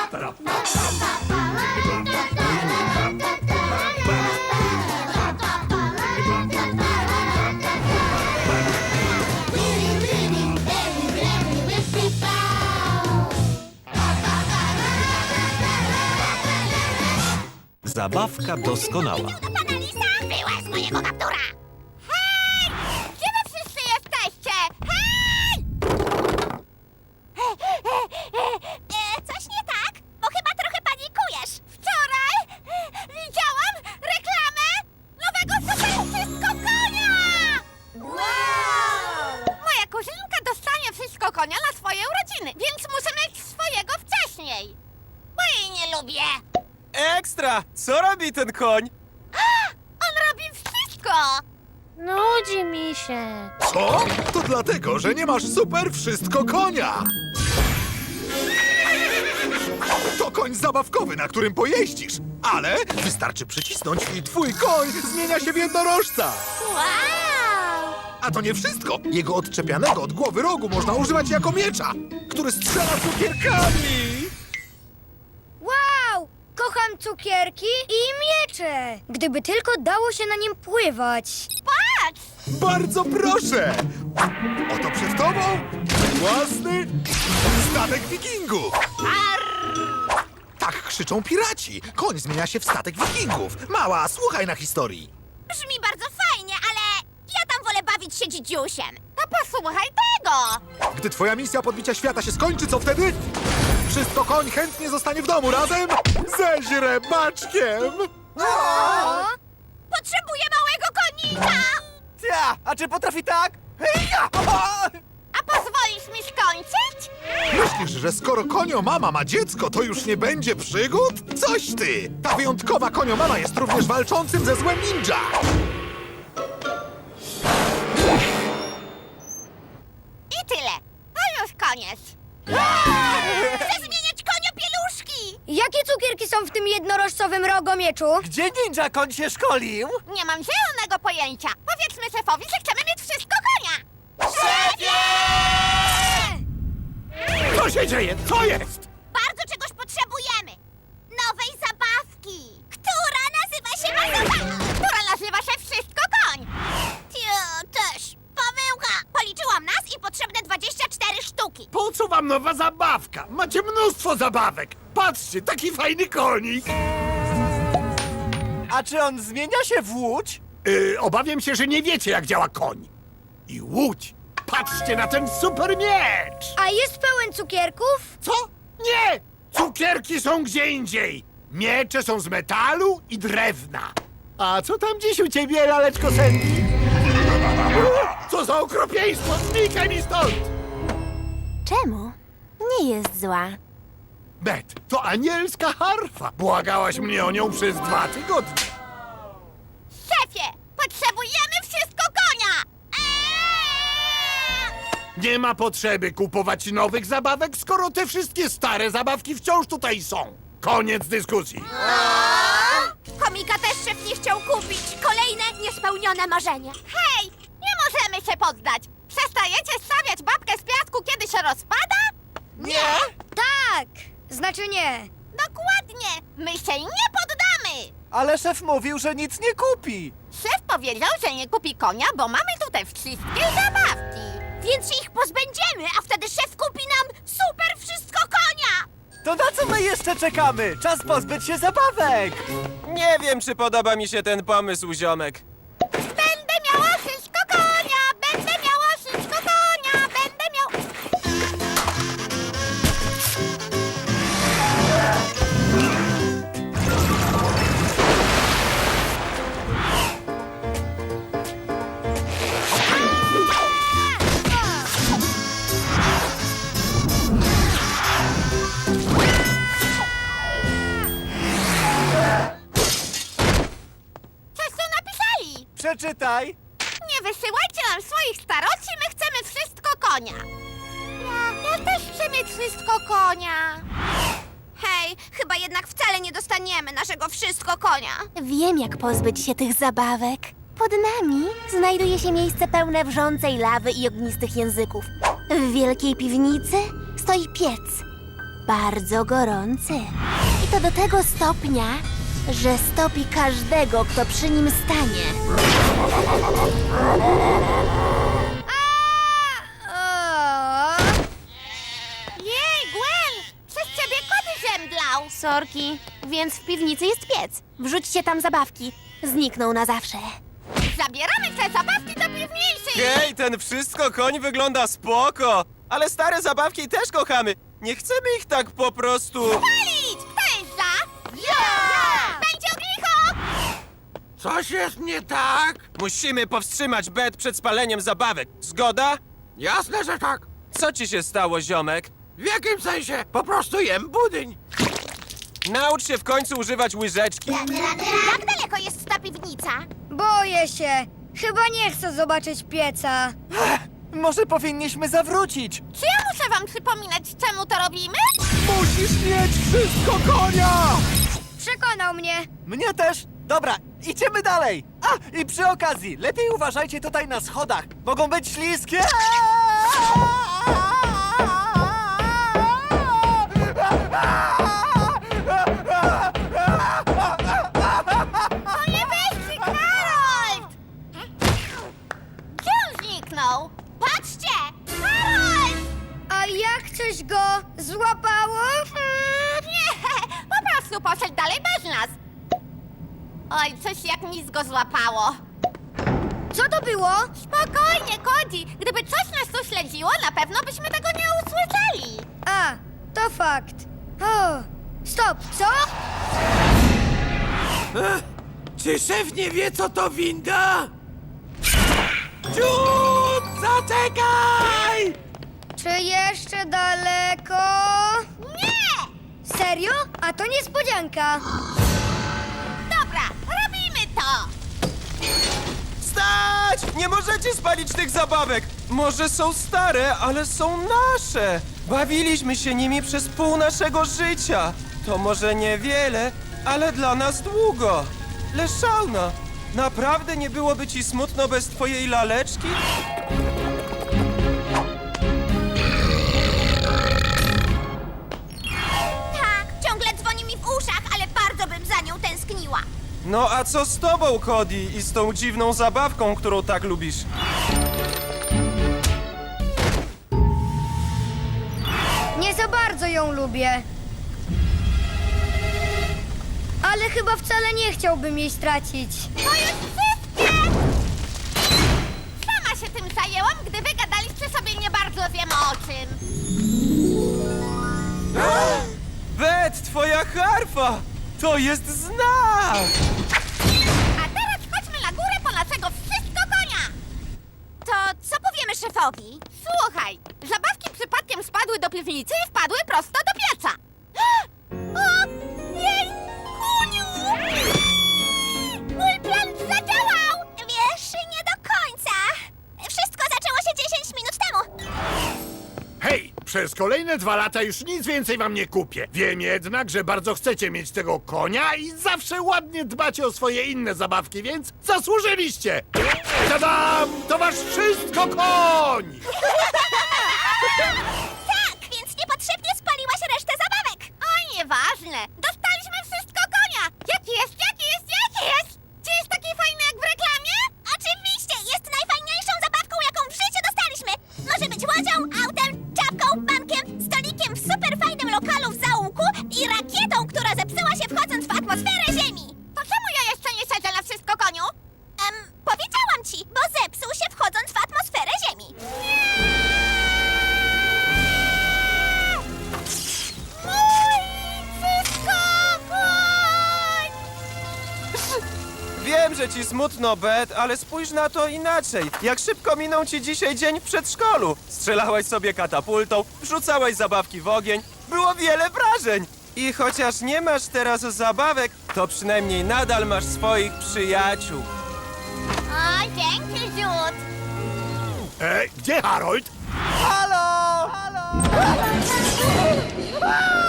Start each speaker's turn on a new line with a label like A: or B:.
A: Zabawka doskonała.
B: Pana Lisa, wyłaź z mojego kaptura! Hej! Gdzie wy wszyscy jesteście? Hej! Coś nie tak? Bo chyba trochę panikujesz. Wczoraj widziałam reklamę nowego super wszystko konia! Wow! Moja kuzynka dostanie wszystko konia na swoje urodziny, więc muszę mieć swojego wcześniej. Bo jej nie lubię.
C: Ekstra! Co robi ten koń?
B: On robi wszystko!
D: Nudzi mi się.
E: Co? To dlatego, że nie masz super wszystko konia! To koń zabawkowy, na którym pojeździsz, ale wystarczy przycisnąć i twój koń zmienia się w jednorożca!
B: Wow!
E: A to nie wszystko! Jego odczepianego od głowy rogu można używać jako miecza, który strzela cukierkami!
D: Wow! Kocham cukierki i miecze! Gdyby tylko dało się na nim pływać.
B: Patrz!
E: Bardzo proszę! Oto przed tobą własny statek wikingów! Tak krzyczą piraci. Koń zmienia się w statek wikingów. Mała, słuchaj na historii.
B: Brzmi bardzo fajnie, ale ja tam wolę bawić się dzidziusiem. No posłuchaj tego!
E: Gdy twoja misja podbicia świata się skończy, co wtedy? Wszystko koń chętnie zostanie w domu razem ze źrebaczkiem!
B: Potrzebuję małego konika!
C: Ja, a czy potrafi tak? Heja!
B: A pozwolisz mi skończyć?
E: Myślisz, że skoro koniomama ma dziecko, to już nie będzie przygód? Coś ty! Ta wyjątkowa koniomama jest również walczącym ze złem ninja!
B: I tyle. To już koniec. Chcę zmieniać koniopieluszki!
D: Jakie cukierki są w tym jednorożcowym rogomieczu?
C: Gdzie ninja koń się szkolił?
B: Nie mam zielonego pojęcia. Powiedzmy szefowi, że chcemy mieć wszystko konia. Szefie!
E: Co się dzieje? Co jest?
B: Bardzo czegoś potrzebujemy. Nowej zabawki. Która nazywa się Wszystko Koń. Ja też. Pomyłka. Policzyłam nas i potrzebne 24 sztuki.
F: Po co wam nowa zabawka? Macie mnóstwo zabawek. Patrzcie, taki fajny konik.
C: A czy on zmienia się w łódź?
F: Obawiam się, że nie wiecie, jak działa koń. I łódź. Patrzcie na ten super miecz.
D: A jest pełen cukierków?
F: Co? Nie! Cukierki są gdzie indziej. Miecze są z metalu i drewna. A co tam dziś u ciebie, laleczko Sandy? Co za okropieństwo! Znikaj mi stąd!
G: Czemu? Nie jest zła.
F: Bet, to anielska harfa. Błagałaś mnie o nią przez 2 tygodnie.
B: Szefie, potrzebujemy Wszystko Konia.
F: Nie ma potrzeby kupować nowych zabawek, skoro te wszystkie stare zabawki wciąż tutaj są. Koniec dyskusji.
B: Komika też szef nie chciał kupić. Kolejne niespełnione marzenie. Hej, nie możemy się poddać. Przestajecie stawiać babkę z piasku, kiedy się rozpada?
C: Nie!
D: Tak! Znaczy nie.
B: Dokładnie. My się nie poddamy.
C: Ale szef mówił, że nic nie kupi.
B: Szef powiedział, że nie kupi konia, bo mamy tutaj wszystkie zabawki. Więc się ich pozbędziemy, a wtedy szef kupi nam super Wszystko Konia.
C: To na co my jeszcze czekamy? Czas pozbyć się zabawek!
H: Nie wiem, czy podoba mi się ten pomysł, ziomek.
B: Będę miała Wszystko Konia. Będę miała Wszystko Konia. Będę miał... Coś tu napisali.
C: Przeczytaj!
B: Nie wysyłajcie nam swoich staroci, my chcemy Wszystko Konia. Ja też chcę mieć Wszystko Konia. Hej, chyba jednak wcale nie dostaniemy naszego Wszystko Konia.
G: Wiem, jak pozbyć się tych zabawek. Pod nami znajduje się miejsce pełne wrzącej lawy i ognistych języków. W wielkiej piwnicy stoi piec. bardzo gorący. I to do tego stopnia, że stopi każdego, kto przy nim stanie.
B: Jej, Gwen! Przez ciebie kot zemdlał!
G: Sorki, więc w piwnicy jest piec. Wrzućcie tam zabawki. Znikną na zawsze.
B: Zabieramy te zabawki do piwnicy!
H: Hej, ten wszystko koń wygląda spoko! Ale stare zabawki też kochamy. Nie chcemy ich tak po prostu...
B: Palić! Kto jest za? Ja! Będzie ognicho!
F: Coś jest nie tak?
H: Musimy powstrzymać Bet przed spaleniem zabawek. Zgoda?
F: Jasne, że tak.
H: Co ci się stało, ziomek?
F: W jakim sensie? Po prostu jem budyń.
H: Naucz się w końcu używać łyżeczki.
B: Jak daleko jest ta piwnica?
D: Boję się. Chyba nie chcę zobaczyć pieca.
C: Może powinniśmy zawrócić.
B: Czy ja muszę wam przypominać, czemu to robimy?
C: Musisz mieć wszystko konia!
D: Przekonał mnie.
C: Mnie też. Dobra, idziemy dalej. A, i przy okazji, lepiej uważajcie tutaj na schodach. Mogą być śliskie.
B: O nie weźcie, Harold! Gdzie on zniknął? Patrzcie! Harold!
D: A jak coś go złapało?
B: Nie, po prostu poszedł dalej bez nas. Oj, coś jak nic go złapało.
D: Co to było?
B: Spokojnie, Cody. Gdyby coś nas tu śledziło, na pewno byśmy tego nie usłyszeli.
D: A, to fakt. O, stop, co?
F: Czy szef nie wie, co to winda? Ciut! Zaczekaj!
D: Czy jeszcze daleko?
B: Nie!
D: Serio? A to niespodzianka.
B: Dobra, robimy to.
H: Stać! Nie możecie spalić tych zabawek! Może są stare, ale są nasze! Bawiliśmy się nimi przez pół naszego życia. To może niewiele, ale dla nas długo. Leszauna, naprawdę nie byłoby ci smutno bez twojej laleczki?
B: Tak, ciągle dzwoni mi w uszach, ale bardzo bym za nią tęskniła.
H: No a co z tobą, Cody, i z tą dziwną zabawką, którą tak lubisz?
D: Nie za bardzo ją lubię. Ale chyba wcale nie chciałbym jej stracić.
B: To jest wszystkie! Sama się tym zajęłam, gdy wy gadaliście sobie nie bardzo wiem o czym.
H: Bet, twoja harfa! To jest znak!
B: A teraz chodźmy na górę po naszego wszystko konia! To co powiemy szefowi? Słuchaj, zabawki przypadkiem spadły do piwnicy i wpadły prosto do pieca. O, jej, kuniu! Mój plan zadziałał! Wiesz, nie do końca. Wszystko zaczęło się 10 minut temu.
F: Hej, przez kolejne 2 lata już nic więcej wam nie kupię. Wiem jednak, że bardzo chcecie mieć tego konia i zawsze ładnie dbacie o swoje inne zabawki, więc zasłużyliście! Tadam! To wasz wszystko koń!
B: Tak, więc niepotrzebnie spaliłaś resztę zabawek. O, nieważne. Dostaliśmy wszystko konia. Jaki jest, jaki jest, jaki jest? Czy jest taki fajny jak w reklamie? Oczywiście, jest najfajniejszą zabawką, jaką w życiu dostaliśmy. Może być łodzią, autem, czapką, bankiem, stolikiem w superfajnym lokalu w zaułku i rakietą, która zepsuła się wchodząc w atmosferę Ziemi. To czemu ja jeszcze nie siedzę na wszystko koniu? Powiedziałam ci, bo zepsuł się wchodząc w atmosferę Ziemi.
H: Wiem, że ci smutno, Bet, ale spójrz na to inaczej. Jak szybko minął ci dzisiaj dzień w przedszkolu. Strzelałaś sobie katapultą, wrzucałaś zabawki w ogień. Było wiele wrażeń. I chociaż nie masz teraz zabawek, to przynajmniej nadal masz swoich przyjaciół.
B: O, dzięki, Jude.
F: Gdzie Harold?
C: Halo! Halo!